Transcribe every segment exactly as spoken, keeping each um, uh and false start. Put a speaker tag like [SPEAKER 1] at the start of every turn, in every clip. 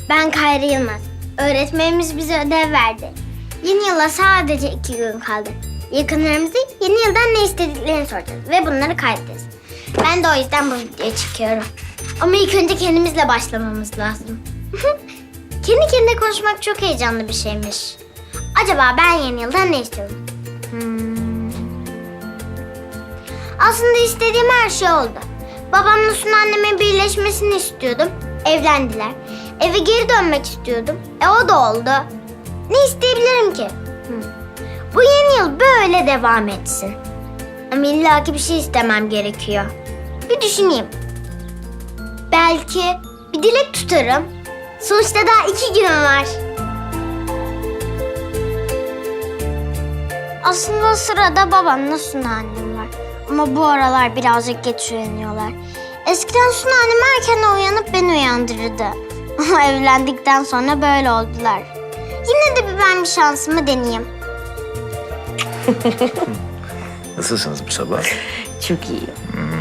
[SPEAKER 1] Ben Kayra Yılmaz. Öğretmenimiz bize ödev verdi. Yeni yıla sadece iki gün kaldı. Yakınlarımızı yeni yıldan ne istediklerini soracağız ve bunları kaydedeceğiz. Ben de o yüzden bu videoya çıkıyorum. Ama ilk önce kendimizle başlamamız lazım. Kendi kendine konuşmak çok heyecanlı bir şeymiş. Acaba ben yeni yıldan ne istiyorum? Hmm. Aslında istediğim her şey oldu. Babamla Sunu annemin birleşmesini istiyordum. Evlendiler. Eve geri dönmek istiyordum. E o da oldu. Ne isteyebilirim ki? Hmm. Bu yeni yıl böyle devam etsin. Ama illaki bir şey istemem gerekiyor. Bir düşüneyim. Belki bir dilek tutarım. Sonuçta daha iki günüm var. Aslında o sırada babamla Sunu annem var. Ama bu aralar birazcık geç uyanıyorlar. Eskiden Sunu annem erken uyanıp beni uyandırırdı. Ama evlendikten sonra böyle oldular. Yine de bir ben bir şansımı deneyeyim.
[SPEAKER 2] Nasılsınız bu sabah?
[SPEAKER 3] Çok iyi.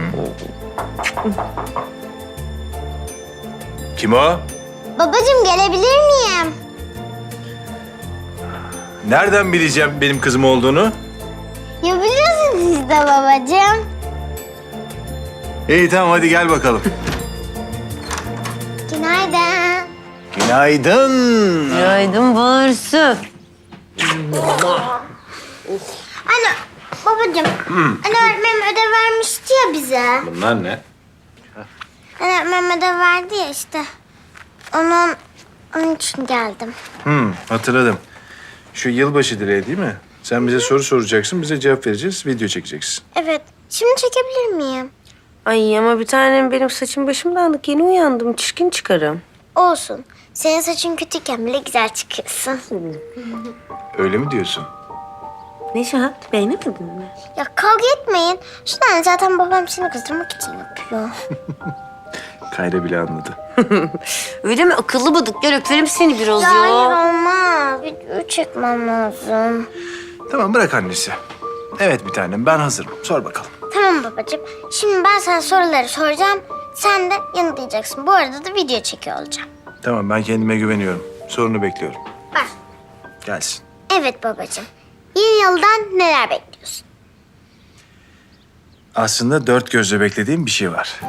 [SPEAKER 2] Kim o?
[SPEAKER 1] Babacığım gelebilir miyim?
[SPEAKER 2] Nereden bileceğim benim kızım olduğunu?
[SPEAKER 1] Ya biliyorsunuz siz de babacığım.
[SPEAKER 2] İyi tamam hadi gel bakalım.
[SPEAKER 1] Günaydın.
[SPEAKER 2] Günaydın.
[SPEAKER 3] Günaydın Barsu.
[SPEAKER 1] Anne, babacığım. Anne öğretmenim ödev vermişti ya bize.
[SPEAKER 2] Bunlar ne?
[SPEAKER 1] Anne öğretmenim ödev verdi ya işte. Onun, onun için geldim.
[SPEAKER 2] Hmm, hatırladım. Şu yılbaşı dileği değil mi? Sen bize soru soracaksın, bize cevap vereceğiz, video çekeceksin.
[SPEAKER 1] Evet. Şimdi çekebilir miyim?
[SPEAKER 3] Ay ama bir tanem benim saçım başım dağınık. Yeni uyandım. Çirkin çıkarım.
[SPEAKER 1] Olsun. Senin saçın kötüyken bile güzel çıkıyorsun.
[SPEAKER 2] Öyle mi diyorsun?
[SPEAKER 3] Neşat, beğenemedin mi?
[SPEAKER 1] Ya kavga etmeyin. Şundan zaten babam seni kızdırmak için yapıyor.
[SPEAKER 2] Kayra bile anladı.
[SPEAKER 3] Öyle mi? Akıllı bıdık. Gel öperim seni biraz ya.
[SPEAKER 1] Ya hayır olmaz. Video çekmem lazım.
[SPEAKER 2] Tamam bırak annesi. Evet bir tanem ben hazırım. Sor bakalım.
[SPEAKER 1] Tamam babacığım. Şimdi ben sana soruları soracağım. Sen de yanıtlayacaksın. Bu arada da video çekiyor olacağım.
[SPEAKER 2] Tamam ben kendime güveniyorum. Sorunu bekliyorum.
[SPEAKER 1] Bak.
[SPEAKER 2] Gelsin.
[SPEAKER 1] Evet babacığım. Yeni yıldan neler bekliyorsun?
[SPEAKER 2] Aslında dört gözle beklediğim bir şey var.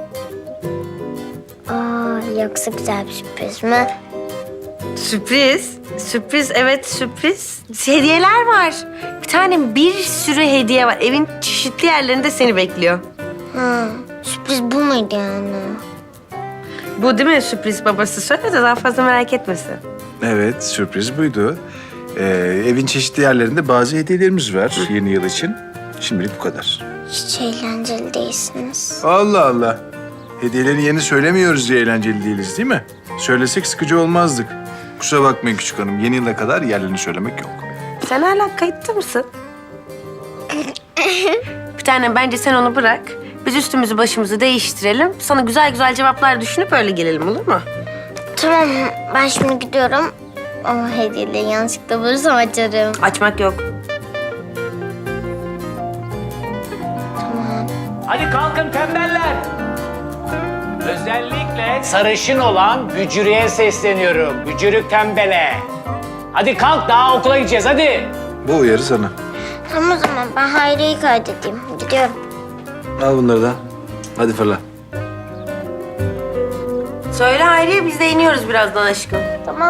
[SPEAKER 1] Aa, yoksa güzel bir sürpriz mi?
[SPEAKER 3] Sürpriz. Sürpriz, evet sürpriz. Hediyeler var. Bir tanem bir sürü hediye var. Evin çeşitli yerlerinde seni bekliyor.
[SPEAKER 1] Ha, sürpriz bu muydu yani?
[SPEAKER 3] Bu değil mi sürpriz babası? Söyle de daha fazla merak etmesin.
[SPEAKER 2] Evet sürpriz buydu. Ee, evin çeşitli yerlerinde bazı hediyelerimiz var yeni yıl için. Şimdilik bu kadar.
[SPEAKER 1] Hiç eğlenceli değilsiniz.
[SPEAKER 2] Allah Allah. Hediyelerin yerini söylemiyoruz diye eğlenceli değiliz değil mi? Söylesek sıkıcı olmazdık. Kusura bakmayın küçük hanım. Yeni yıla kadar yerlerini söylemek yok.
[SPEAKER 3] Sen hala kayıtta mısın? Bir tane bence sen onu bırak. Biz üstümüzü başımızı değiştirelim. Sana güzel güzel cevaplar düşünüp öyle gelelim olur mu?
[SPEAKER 1] Tamam ben şimdi gidiyorum. Ama hediyeleri yanlışlıkla bulursam açarım.
[SPEAKER 3] Açmak yok.
[SPEAKER 4] Hadi kalkın tembeller. Özellikle sarışın olan Bücürük'e sesleniyorum. Bücürük tembele. Hadi kalk daha okula gideceğiz hadi.
[SPEAKER 2] Bu uyarı sana.
[SPEAKER 1] Tamam o zaman ben Hayri'yi kaydedeyim. Gidiyorum.
[SPEAKER 2] Al bunları da. Hadi fırla.
[SPEAKER 3] Söyle Hayriye biz de iniyoruz birazdan aşkım.
[SPEAKER 1] Tamam.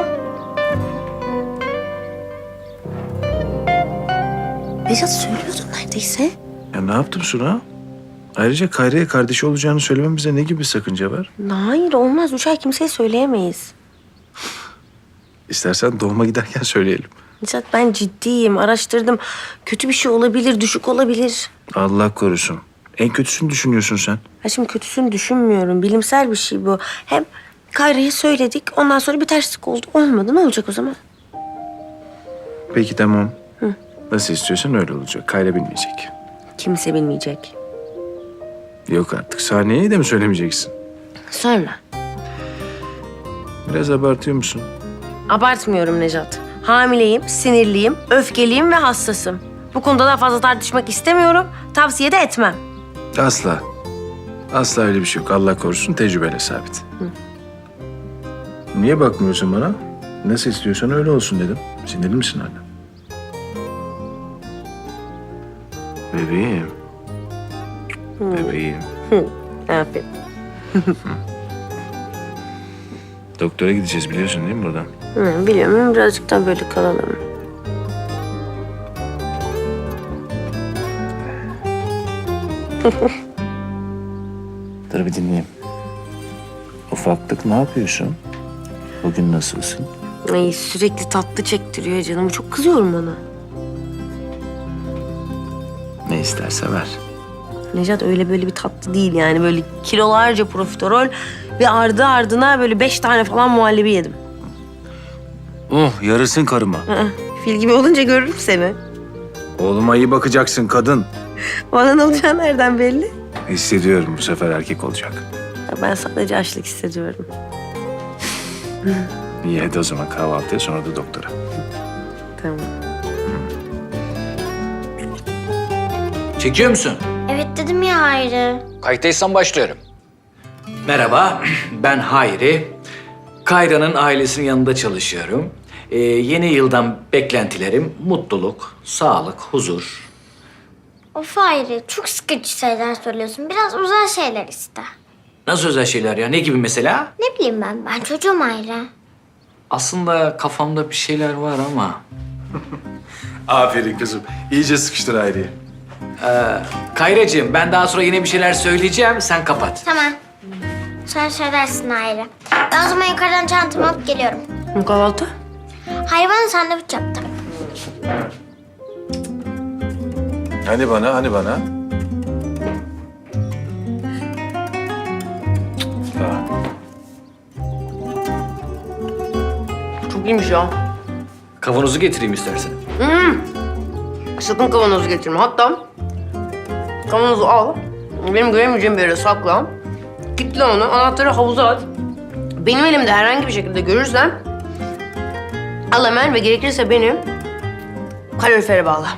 [SPEAKER 3] Neşat söylüyordun neredeyse.
[SPEAKER 2] Ya ne yaptım Suna? Ayrıca Kayra'ya kardeşi olacağını söylememize ne gibi bir sakınca var?
[SPEAKER 3] Hayır olmaz. Üç ay kimseye söyleyemeyiz.
[SPEAKER 2] İstersen doğuma giderken söyleyelim.
[SPEAKER 3] Neşat ben ciddiyim. Araştırdım. Kötü bir şey olabilir, düşük olabilir.
[SPEAKER 2] Allah korusun. En kötüsünü düşünüyorsun sen.
[SPEAKER 3] Ha şimdi kötüsünü düşünmüyorum. Bilimsel bir şey bu. Hem Kayra'ya söyledik. Ondan sonra bir terslik oldu. Olmadı. Ne olacak o zaman?
[SPEAKER 2] Peki tamam. Nasıl istiyorsan öyle olacak. Kayra bilmeyecek.
[SPEAKER 3] Kimse bilmeyecek.
[SPEAKER 2] Yok artık. Saniyeyi de mi söylemeyeceksin?
[SPEAKER 3] Sonra.
[SPEAKER 2] Biraz abartıyor musun?
[SPEAKER 3] Abartmıyorum Necat. Hamileyim, sinirliyim, öfkeliyim ve hassasım. Bu konuda daha fazla tartışmak istemiyorum. Tavsiye de etmem.
[SPEAKER 2] Asla. Asla öyle bir şey yok. Allah korusun tecrübeyle sabit. Niye bakmıyorsun bana? Nasıl istiyorsan öyle olsun dedim. Sinirli misin hala? Bebeğim. Bebeğim.
[SPEAKER 3] Aferin.
[SPEAKER 2] Doktora gideceğiz biliyorsun değil mi buradan?
[SPEAKER 3] Hı, biliyorum. Birazcık daha böyle kalalım.
[SPEAKER 2] Dur bir dinleyeyim. Ufaklık ne yapıyorsun? Bugün nasılsın?
[SPEAKER 3] Ay, sürekli tatlı çektiriyor canım. Çok kızıyorum ona.
[SPEAKER 2] Ne isterse ver.
[SPEAKER 3] Necat öyle böyle bir tatlı değil yani. Böyle kilolarca profiterol ve ardı ardına böyle beş tane falan muhallebi yedim.
[SPEAKER 2] Oh yarısın karıma.
[SPEAKER 3] Aa, fil gibi olunca görürüm seni.
[SPEAKER 2] Oğluma iyi bakacaksın kadın.
[SPEAKER 3] Bana ne olacağı nereden belli?
[SPEAKER 2] Hissediyorum bu sefer erkek olacak.
[SPEAKER 3] Ya ben sadece açlık hissediyorum.
[SPEAKER 2] İyi hadi o zaman kahvaltıya sonra da doktora.
[SPEAKER 3] Tamam.
[SPEAKER 5] Çekiyor musun?
[SPEAKER 1] Evet dedim ya Hayri.
[SPEAKER 5] Kayıttaysan başlıyorum. Merhaba, ben Hayri. Kayra'nın ailesinin yanında çalışıyorum. Ee, yeni yıldan beklentilerim mutluluk, sağlık, huzur.
[SPEAKER 1] Of Hayri, çok sıkıcı şeyler söylüyorsun. Biraz özel şeyler iste.
[SPEAKER 5] Nasıl özel şeyler ya? Ne gibi mesela?
[SPEAKER 1] Ne bileyim ben, ben çocuğum Hayri.
[SPEAKER 5] Aslında kafamda bir şeyler var ama...
[SPEAKER 2] Aferin kızım. İyice sıkıştır Hayri'yi.
[SPEAKER 5] Kayracığım, ben daha sonra yine bir şeyler söyleyeceğim. Sen kapat.
[SPEAKER 1] Tamam. Sen söylersin Hayri. Ben o zaman yukarıdan çantamı alıp geliyorum.
[SPEAKER 3] Bu kahvaltı?
[SPEAKER 1] Hayri bana sandviç yaptı.
[SPEAKER 2] Hani bana, hani bana? Aa,
[SPEAKER 3] Çok iyiymiş ya.
[SPEAKER 5] Kavanozu getireyim istersen.
[SPEAKER 3] Sakın kavanozu getirme. Hatta kavanozu al. Benim göremeyeceğim bir yere sakla. Kitle onu. Anahtarı havuza at. Benim elimde herhangi bir şekilde görürsen al hemen ve gerekirse beni kalorifere bağla.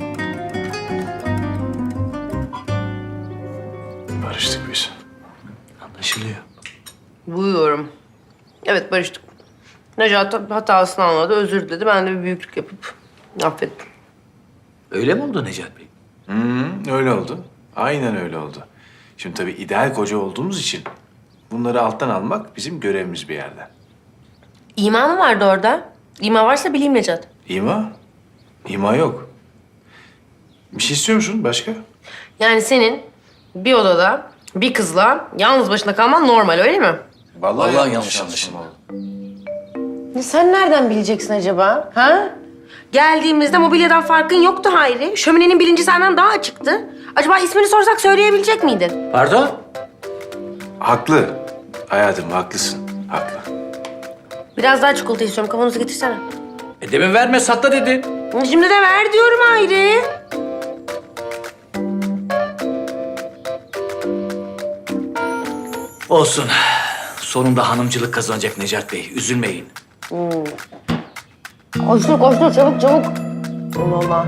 [SPEAKER 2] barıştık biz.
[SPEAKER 5] Anlaşılıyor.
[SPEAKER 3] Buyuyorum. Evet, barıştık. Necat hatasını anladı, özür diledi. Ben de bir büyüklük yapıp affettim.
[SPEAKER 5] Öyle mi oldu Necat Bey?
[SPEAKER 2] Hı, öyle oldu. Aynen öyle oldu. Şimdi tabii ideal koca olduğumuz için bunları alttan almak bizim görevimiz bir yerden.
[SPEAKER 3] İma mı vardı orada? İma varsa bileyim Necat.
[SPEAKER 2] İma? İma yok. Bir şey istiyor musun başka?
[SPEAKER 3] Yani senin bir odada bir kızla yalnız başına kalman normal, öyle mi?
[SPEAKER 5] Vallahi yanlış anlaşılma
[SPEAKER 2] oldu.
[SPEAKER 3] Sen nereden bileceksin acaba? Ha? Geldiğimizde mobilyadan farkın yoktu Hayri. Şöminenin bilinci senden daha açıktı. Acaba ismini sorsak söyleyebilecek miydin?
[SPEAKER 5] Pardon?
[SPEAKER 2] Haklı. Hayatım haklısın. Haklı.
[SPEAKER 3] Biraz daha çikolata istiyorum. Kavanozu getirsene.
[SPEAKER 5] E demin verme, sakla dedin.
[SPEAKER 3] Şimdi de ver diyorum Hayri.
[SPEAKER 5] Olsun. Sonunda hanımcılık kazanacak Necat Bey. Üzülmeyin.
[SPEAKER 3] Koştur koştur çabuk çabuk. Allah Allah.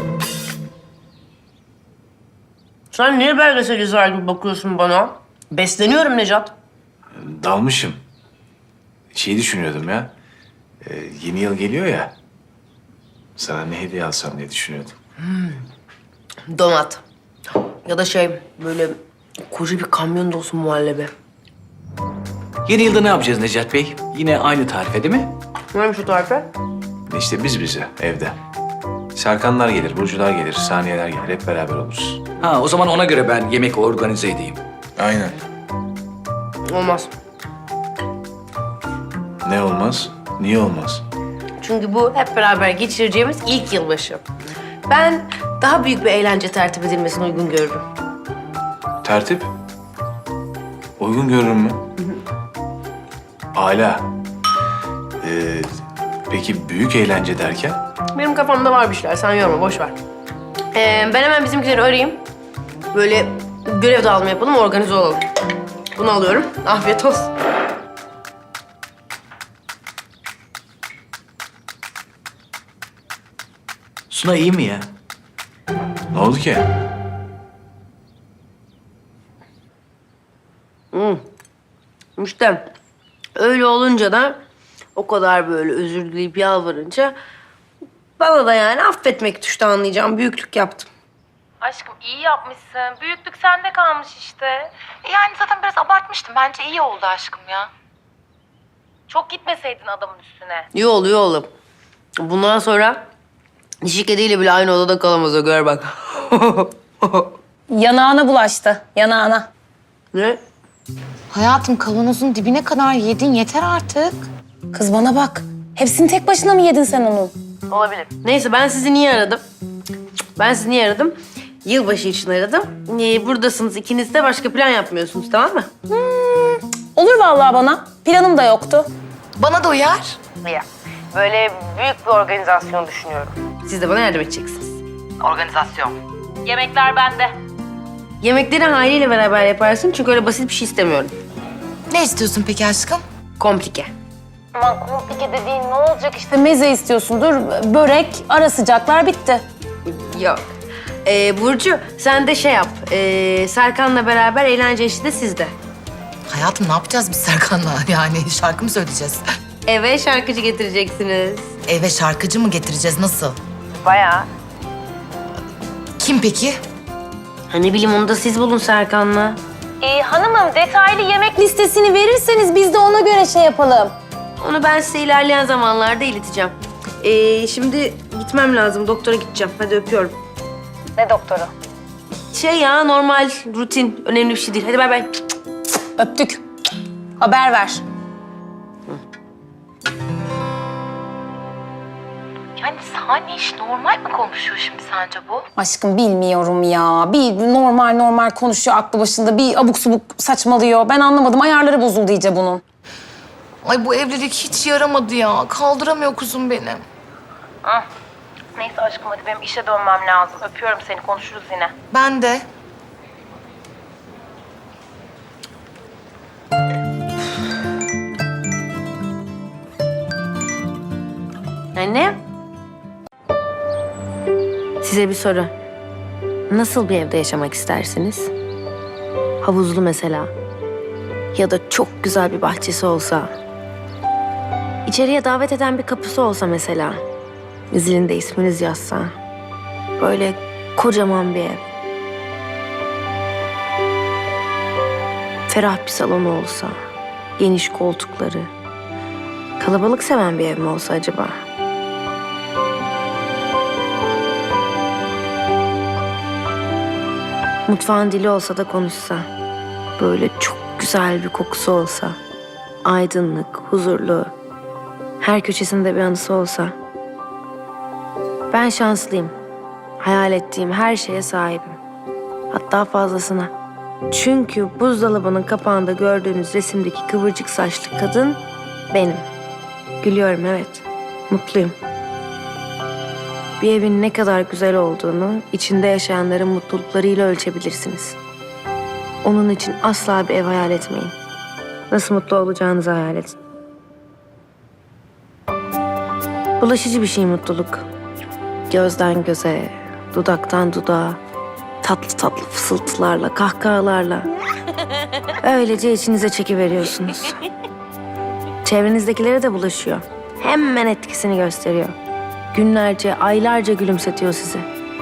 [SPEAKER 3] Sen niye belgesel izler gibi bakıyorsun bana? Besleniyorum Necat.
[SPEAKER 2] Dalmışım. Şey düşünüyordum ya. Ee, yeni yıl geliyor ya. Sana ne hediye alsam diye düşünüyordum.
[SPEAKER 3] Donat. Ya da şey böyle koca bir kamyon dolusu muhallebi.
[SPEAKER 5] Yeni yılda ne yapacağız Necat Bey? Yine aynı tarife değil mi?
[SPEAKER 3] Neymiş o tarife?
[SPEAKER 2] İşte biz bize evde. Serkanlar gelir, Burcular gelir, Saniyeler gelir. Hep beraber oluruz.
[SPEAKER 5] Ha, o zaman ona göre ben yemek organize edeyim.
[SPEAKER 2] Aynen.
[SPEAKER 3] Olmaz.
[SPEAKER 2] Ne olmaz? Niye olmaz?
[SPEAKER 3] Çünkü bu hep beraber geçireceğimiz ilk yılbaşı. Ben daha büyük bir eğlence tertip edilmesini uygun görürüm.
[SPEAKER 2] Tertip? Uygun görürüm mü? Âlâ. Ee, peki büyük eğlence derken?
[SPEAKER 3] Benim kafamda var bir şeyler. Sen yorma, boş ver. Ee, ben hemen bizimkileri arayayım. Böyle görev dağılımı yapalım, organize olalım. Bunu alıyorum. Afiyet olsun.
[SPEAKER 5] Suna iyi mi ya?
[SPEAKER 2] Ne oldu ki?
[SPEAKER 3] İşte öyle olunca da o kadar böyle özür dileyip yalvarınca bana da yani affetmek düştü, anlayacağım. Büyüklük yaptım.
[SPEAKER 6] Aşkım iyi yapmışsın. Büyüklük sende kalmış işte. E yani zaten biraz abartmıştım. Bence iyi oldu aşkım ya. Çok gitmeseydin adamın üstüne.
[SPEAKER 3] İyi oldu, iyi oldu. Bundan sonra dişi kediyle bile aynı odada kalamaz, o gör bak.
[SPEAKER 7] Yanağına bulaştı, yanağına.
[SPEAKER 3] Ne?
[SPEAKER 7] Hayatım kavanozun dibine kadar yedin, yeter artık. Kız bana bak, hepsini tek başına mı yedin sen onun?
[SPEAKER 3] Olabilir. Neyse, ben sizi niye aradım? Ben sizi niye aradım? Yılbaşı için aradım. Ee, buradasınız ikiniz de, başka plan yapmıyorsunuz, tamam mı?
[SPEAKER 7] Olur vallahi bana, planım da yoktu.
[SPEAKER 8] Bana da uyar.
[SPEAKER 3] Ya, böyle büyük bir organizasyon düşünüyorum. Siz de bana yardım edeceksiniz.
[SPEAKER 6] Organizasyon. Yemekler bende.
[SPEAKER 3] Yemekleri Hayri ile beraber yaparsın, çünkü öyle basit bir şey istemiyorum.
[SPEAKER 8] Ne istiyorsun peki aşkım?
[SPEAKER 3] Komplike.
[SPEAKER 7] Aman komplike dediğin ne olacak işte meze istiyorsundur, börek, ara sıcaklar bitti.
[SPEAKER 3] Yok. Ee, Burcu, sen de şey yap. Ee, Serkan'la beraber eğlence işi de sizde.
[SPEAKER 8] Hayatım ne yapacağız biz Serkan'la? Yani şarkı mı söyleyeceğiz?
[SPEAKER 3] Eve şarkıcı getireceksiniz.
[SPEAKER 8] Eve şarkıcı mı getireceğiz? Nasıl?
[SPEAKER 3] Bayağı.
[SPEAKER 8] Kim peki?
[SPEAKER 3] Ha, ne bileyim, onu da siz bulun Serkan'la.
[SPEAKER 7] Ee, hanımım detaylı yemek listesini verirseniz biz de ona göre şey yapalım.
[SPEAKER 3] Onu ben size ilerleyen zamanlarda ileteceğim. Ee, şimdi gitmem lazım. Doktora gideceğim. Hadi öpüyorum.
[SPEAKER 7] Ne doktoru?
[SPEAKER 3] Şey ya, normal, rutin. Önemli bir şey değil. Hadi bay bay.
[SPEAKER 7] Öptük. Haber ver.
[SPEAKER 6] Yani sahne iş normal mi konuşuyor şimdi sence bu?
[SPEAKER 7] Aşkım bilmiyorum ya. Bir normal normal konuşuyor aklı başında. Bir abuk subuk saçmalıyor. Ben anlamadım. Ayarları bozuldu iyice bunun.
[SPEAKER 8] Ay bu evlilik hiç yaramadı ya. Kaldıramıyor kuzum benim.
[SPEAKER 6] Neyse aşkım hadi benim işe dönmem lazım. Öpüyorum seni, konuşuruz yine.
[SPEAKER 8] Ben de.
[SPEAKER 3] Anne. Size bir soru. Nasıl bir evde yaşamak istersiniz? Havuzlu mesela. Ya da çok güzel bir bahçesi olsa. İçeriye davet eden bir kapısı olsa mesela. Zilinde isminiz yazsa. Böyle kocaman bir ev. Ferah bir salonu olsa. Geniş koltukları. Kalabalık seven bir ev mi olsa acaba? Mutfağın dili olsa da konuşsa. Böyle çok güzel bir kokusu olsa. Aydınlık, huzurlu. Her köşesinde bir anısı olsa. Ben şanslıyım. Hayal ettiğim her şeye sahibim. Hatta fazlasına. Çünkü buzdolabının kapağında gördüğünüz resimdeki kıvırcık saçlı kadın benim. Gülüyorum, evet. Mutluyum. Bir evin ne kadar güzel olduğunu içinde yaşayanların mutluluklarıyla ölçebilirsiniz. Onun için asla bir ev hayal etmeyin. Nasıl mutlu olacağınızı hayal edin. Bulaşıcı bir şey mutluluk. Gözden göze, dudaktan dudağa, tatlı tatlı fısıltılarla, kahkahalarla. Öylece içinize çekiveriyorsunuz. Çevrenizdekilere de bulaşıyor. Hemen etkisini gösteriyor. Günlerce, aylarca gülümsetiyor sizi.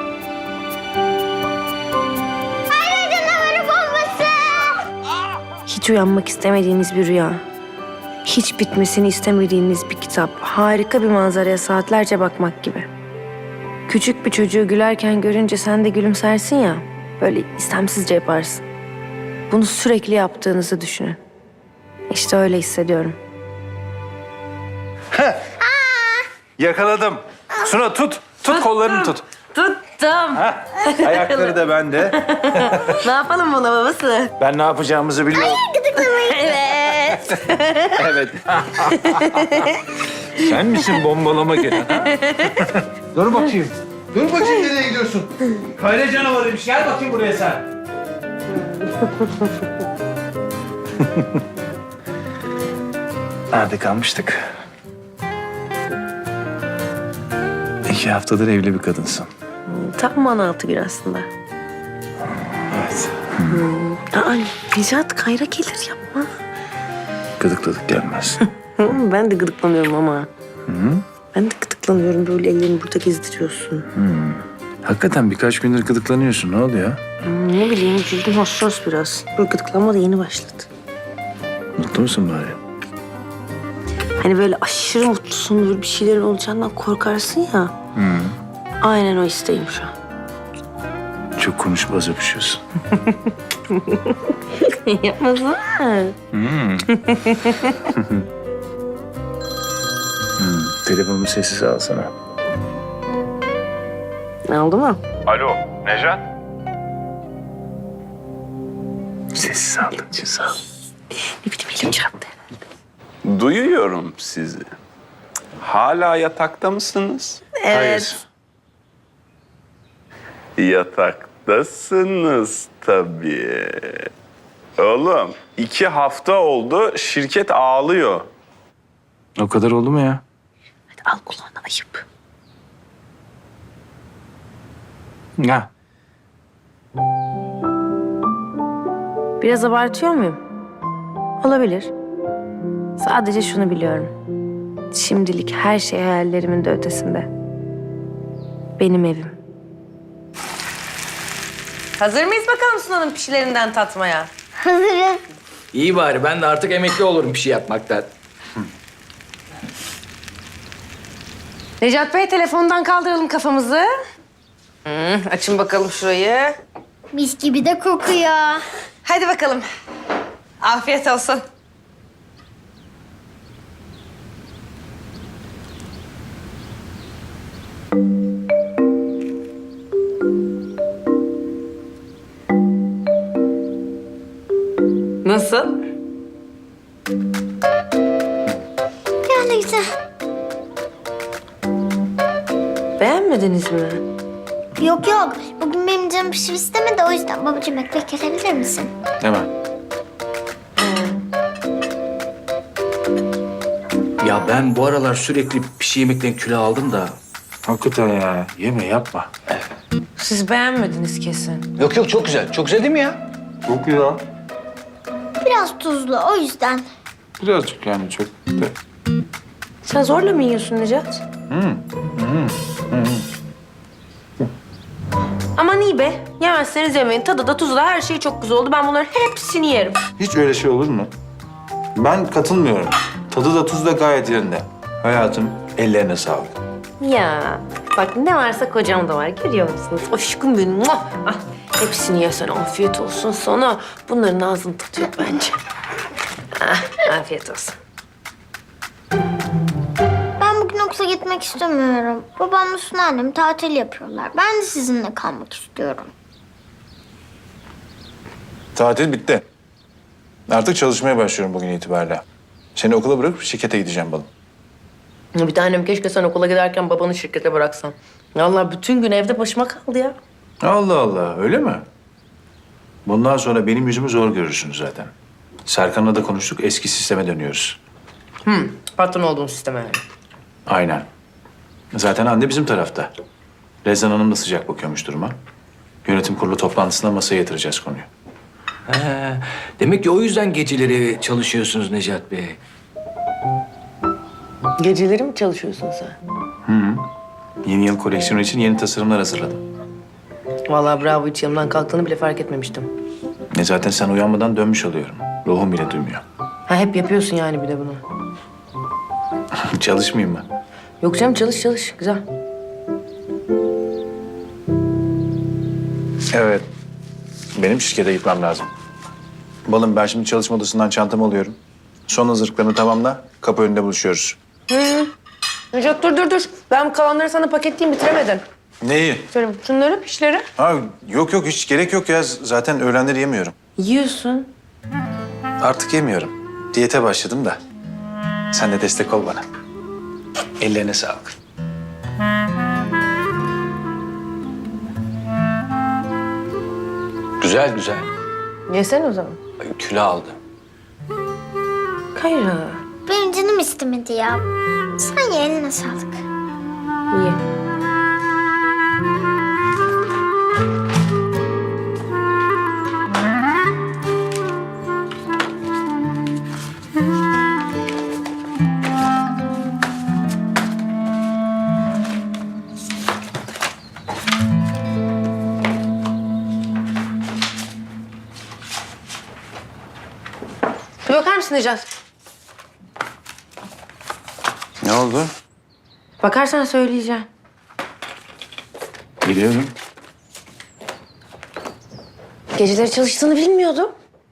[SPEAKER 1] Hayır canavarı bombası.
[SPEAKER 3] Hiç uyanmak istemediğiniz bir rüya. Hiç bitmesini istemediğiniz bir kitap. Harika bir manzaraya saatlerce bakmak gibi. Küçük bir çocuğu gülerken görünce sen de gülümsersin ya. Böyle istemsizce yaparsın. Bunu sürekli yaptığınızı düşünün. İşte öyle hissediyorum.
[SPEAKER 2] Yakaladım. Suna tut. Tut kollarını tut.
[SPEAKER 3] Tuttum.
[SPEAKER 2] Ayakları da bende.
[SPEAKER 3] Ne yapalım buna babası?
[SPEAKER 2] Ben ne yapacağımızı biliyorum.
[SPEAKER 3] Evet.
[SPEAKER 2] Evet. Sen misin bombalama gelen? Ha? Dur bakayım. Dur bakayım, nereye gidiyorsun?
[SPEAKER 5] Kayra canavarıymış. Gel bakayım buraya sen.
[SPEAKER 2] Nerede kalmıştık? İki haftadır evli bir kadınsın.
[SPEAKER 3] Tam on altı gün aslında.
[SPEAKER 2] Evet.
[SPEAKER 3] Aa, Necat, Kayra gelir, yapma.
[SPEAKER 2] Gıdıkladık gelmez.
[SPEAKER 3] Ben de gıdıklanıyorum ama. Ben de gıdıklanıyorum. Böyle ellerini burada gezdiriyorsun.
[SPEAKER 2] Hakikaten birkaç gündür gıdıklanıyorsun. Ne oldu ya?
[SPEAKER 3] Ne bileyim cildim hassas biraz. Bu gıdıklanma da yeni başladı.
[SPEAKER 2] Mutlu musun bari?
[SPEAKER 3] Hani böyle aşırı mutlusun, böyle bir şeylerin olacağından korkarsın ya. Aynen o isteğim şu an.
[SPEAKER 2] Çok konuşup az öpüşüyorsun.
[SPEAKER 3] Yapmasana.
[SPEAKER 2] Telefonumu sessiz alsana.
[SPEAKER 3] Ne oldu mu?
[SPEAKER 2] Alo, Nejat? Sessiz aldın için sağ ol.
[SPEAKER 3] Ne bileyim elim çarptı.
[SPEAKER 9] Duyuyorum sizi. Hala yatakta mısınız?
[SPEAKER 3] Evet.
[SPEAKER 9] Yataktasınız tabii. Oğlum iki hafta oldu şirket ağlıyor.
[SPEAKER 2] O kadar oldu mu ya?
[SPEAKER 3] Hadi al kulağına ayıp.
[SPEAKER 2] Ha.
[SPEAKER 3] Biraz abartıyor muyum? Olabilir. Sadece şunu biliyorum. Şimdilik her şey hayallerimin de ötesinde. Benim evim. Hazır mıyız bakalım Sunan'ın pişilerinden tatmaya?
[SPEAKER 1] Hazırız.
[SPEAKER 5] İyi bari ben de artık emekli olurum bir şey yapmaktan.
[SPEAKER 3] Necat Bey telefondan kaldıralım kafamızı. Hı, açın bakalım şurayı.
[SPEAKER 1] Mis gibi de kokuyor.
[SPEAKER 3] Hadi bakalım. Afiyet olsun. Nasıl?
[SPEAKER 1] Yani güzel.
[SPEAKER 3] Beğenmediniz mi?
[SPEAKER 1] Yok yok. Bugün benim canım pişir istemedi. O yüzden babacığım ekmek kesebilir misin?
[SPEAKER 2] Hemen.
[SPEAKER 5] Ya ben bu aralar sürekli pişi yemekten kilo aldım da.
[SPEAKER 2] Hakikaten ya. Yeme yapma.
[SPEAKER 3] Siz beğenmediniz kesin.
[SPEAKER 5] Yok yok çok güzel. Çok güzel değil mi ya?
[SPEAKER 2] Çok ya.
[SPEAKER 1] Biraz tuzlu o yüzden.
[SPEAKER 2] Birazcık yani çok. Da.
[SPEAKER 3] Sen zorla mı yiyorsun Necat? Aman iyi be. Yemezseniz yemeyin. Tadı da tuzu da her şey çok güzel oldu. Ben bunların hepsini yerim.
[SPEAKER 2] Hiç öyle şey olur mu? Ben katılmıyorum. Tadı da tuzu da gayet yerinde. Hayatım ellerine sağlık.
[SPEAKER 3] Ya bak ne varsa kocam da var. Görüyor musunuz? Aşkım benim. Muah! Ah, hepsini yesen afiyet olsun sana. Bunların ağzının tadı yok bence. Ah, afiyet olsun.
[SPEAKER 1] Ben bugün okula gitmek istemiyorum. Babamla Suna annem tatil yapıyorlar. Ben de sizinle kalmak istiyorum.
[SPEAKER 2] Tatil bitti. Artık çalışmaya başlıyorum bugün itibariyle. Seni okula bırakıp şirkete gideceğim balım.
[SPEAKER 3] Bir tanem keşke sen okula giderken babanı şirkete bıraksan. Vallahi bütün gün evde başıma kaldı ya.
[SPEAKER 2] Allah Allah, öyle mi? Bundan sonra benim yüzümü zor görürsünüz zaten. Serkan'la da konuştuk, eski sisteme dönüyoruz.
[SPEAKER 3] Patron olduğum sisteme yani.
[SPEAKER 2] Aynen. Zaten anne bizim tarafta. Rezan Hanım da sıcak bakıyormuş duruma. Yönetim kurulu toplantısında masaya yatıracağız konuyu.
[SPEAKER 5] He, demek ki o yüzden geceleri çalışıyorsunuz Necat Bey.
[SPEAKER 3] Geceleri mi çalışıyorsun sen?
[SPEAKER 2] Yeni yıl koleksiyonu için yeni tasarımlar hazırladım.
[SPEAKER 3] Vallahi bravo, hiç yanımdan kalktığını bile fark etmemiştim.
[SPEAKER 2] Ne zaten sen uyanmadan dönmüş oluyorum. Ruhum bile duymuyor.
[SPEAKER 3] Ha hep yapıyorsun yani bir de bunu.
[SPEAKER 2] Çalışmayayım mı?
[SPEAKER 3] Yok canım, çalış çalış. Güzel.
[SPEAKER 2] Evet. Benim şirkete gitmem lazım. Balım ben şimdi çalışma odasından çantamı alıyorum. Son hazırlıklarını tamamla. Kapı önünde buluşuyoruz.
[SPEAKER 3] Necat dur dur dur. Ben kalanları sana paketleyeyim, bitiremedin.
[SPEAKER 2] Neyi?
[SPEAKER 3] Şöyle şunları, pişleri.
[SPEAKER 2] Ha, yok yok hiç gerek yok ya. Zaten öğlenleri yemiyorum.
[SPEAKER 3] Yiyorsun.
[SPEAKER 2] Artık yemiyorum. Diyete başladım da. Sen de destek ol bana. Ellerine sağlık.
[SPEAKER 5] Güzel güzel.
[SPEAKER 3] Yesene o zaman.
[SPEAKER 5] Kilo aldı.
[SPEAKER 3] Kayra.
[SPEAKER 1] Benim canım istemedi ya. Sen ye, eline sağlık.
[SPEAKER 3] Ye. Necat.
[SPEAKER 2] Ne oldu?
[SPEAKER 3] Bakarsan söyleyeceğim.
[SPEAKER 2] Biliyorum.
[SPEAKER 3] Geceleri çalıştığını bilmiyordum.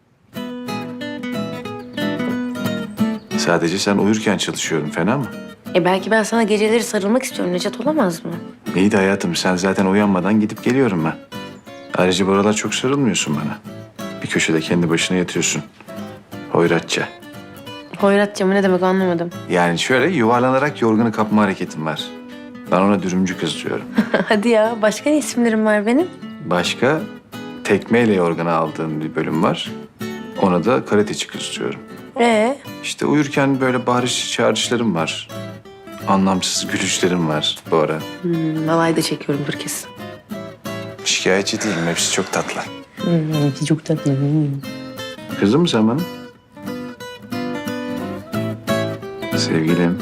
[SPEAKER 2] Sadece sen uyurken çalışıyorum, fena mı?
[SPEAKER 3] E belki ben sana geceleri sarılmak istiyorum Necat, olamaz mı?
[SPEAKER 2] İyi de hayatım, sen zaten uyanmadan gidip geliyorum ben. Ayrıca bu aralar çok sarılmıyorsun bana. Bir köşede kendi başına yatıyorsun. Hoyratça.
[SPEAKER 3] Hoyratça mı ne demek anlamadım.
[SPEAKER 2] Yani şöyle yuvarlanarak yorganı kapma hareketim var. Ben ona dürümcü kız diyorum.
[SPEAKER 3] Hadi ya, başka ne isimlerim var benim?
[SPEAKER 2] Başka tekmeyle yorganı aldığım bir bölüm var. Ona da karateci kız diyorum.
[SPEAKER 3] Ee,
[SPEAKER 2] İşte uyurken böyle bağırış çağrışlarım var. Anlamsız gülüşlerim var bu ara.
[SPEAKER 3] hmm, alay da çekiyorumdur kesin.
[SPEAKER 2] Şikayetçi değilim, hepsi çok tatlı.
[SPEAKER 3] Hmm, çok tatlı.
[SPEAKER 2] Kızdın mı sen bana? Sevgilim.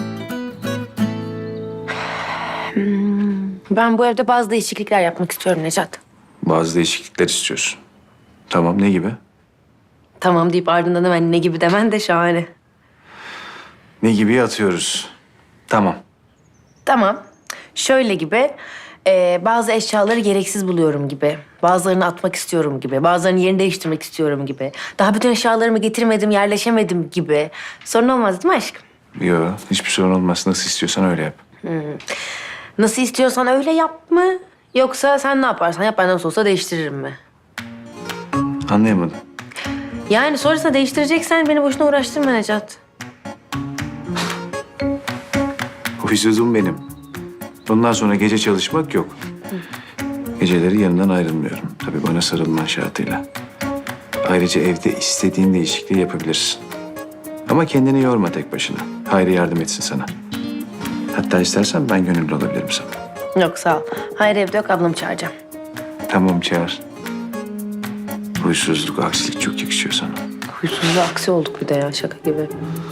[SPEAKER 3] Ben bu evde bazı değişiklikler yapmak istiyorum Necat.
[SPEAKER 2] Bazı değişiklikler istiyorsun. Tamam, ne gibi?
[SPEAKER 3] Tamam deyip ardından hemen ne gibi demen de şahane.
[SPEAKER 2] Ne gibi atıyoruz? Tamam.
[SPEAKER 3] Tamam. Şöyle gibi, e, bazı eşyaları gereksiz buluyorum gibi. Bazılarını atmak istiyorum gibi. Bazılarının yerini değiştirmek istiyorum gibi. Daha bütün eşyalarımı getirmedim, yerleşemedim gibi. Sorun olmaz değil mi aşkım?
[SPEAKER 2] Yok, hiçbir sorun olmaz. Nasıl istiyorsan öyle yap.
[SPEAKER 3] Nasıl istiyorsan öyle yap mı? Yoksa sen ne yaparsan yap, ben nasıl olsa değiştiririm mi?
[SPEAKER 2] Anlayamadım.
[SPEAKER 3] Yani sonrasında değiştireceksen beni boşuna uğraştırma Necat.
[SPEAKER 2] Huysuzum benim. Bundan sonra gece çalışmak yok. Geceleri yanından ayrılmıyorum. Tabii bana sarılman şartıyla. Ayrıca evde istediğin değişikliği yapabilirsin. Ama kendini yorma tek başına. Hayri yardım etsin sana. Hatta istersen ben gönüllü olabilirim sana.
[SPEAKER 3] Yok sağ ol. Hayır evde yok, ablamı çağıracağım.
[SPEAKER 2] Tamam, çağır. Huysuzluk, aksilik çok yakışıyor sana.
[SPEAKER 3] Huysuzluğa aksi olduk bir de ya, şaka gibi.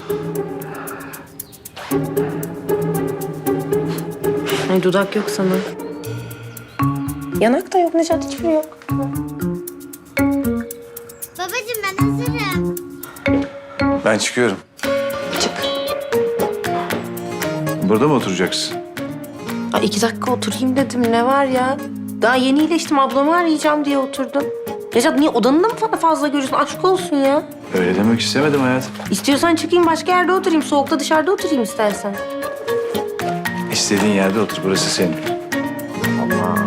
[SPEAKER 3] Ay dudak yok sana. Yanak da yok Necat, hiçbiri yok.
[SPEAKER 1] Babacığım ben hazırım.
[SPEAKER 2] Ben çıkıyorum.
[SPEAKER 3] Çık.
[SPEAKER 2] Burada mı oturacaksın?
[SPEAKER 3] Ay iki dakika oturayım dedim, ne var ya? Daha yeni iyileştim, ablamı arayacağım diye oturdum. Necat niye odanı da mı bana fazla görüyorsun? Aşk olsun ya.
[SPEAKER 2] Öyle demek istemedim hayatım.
[SPEAKER 3] İstiyorsan çıkayım başka yerde oturayım. Soğukta dışarıda oturayım istersen.
[SPEAKER 2] İstediğin yerde otur, burası senin.
[SPEAKER 3] Allah.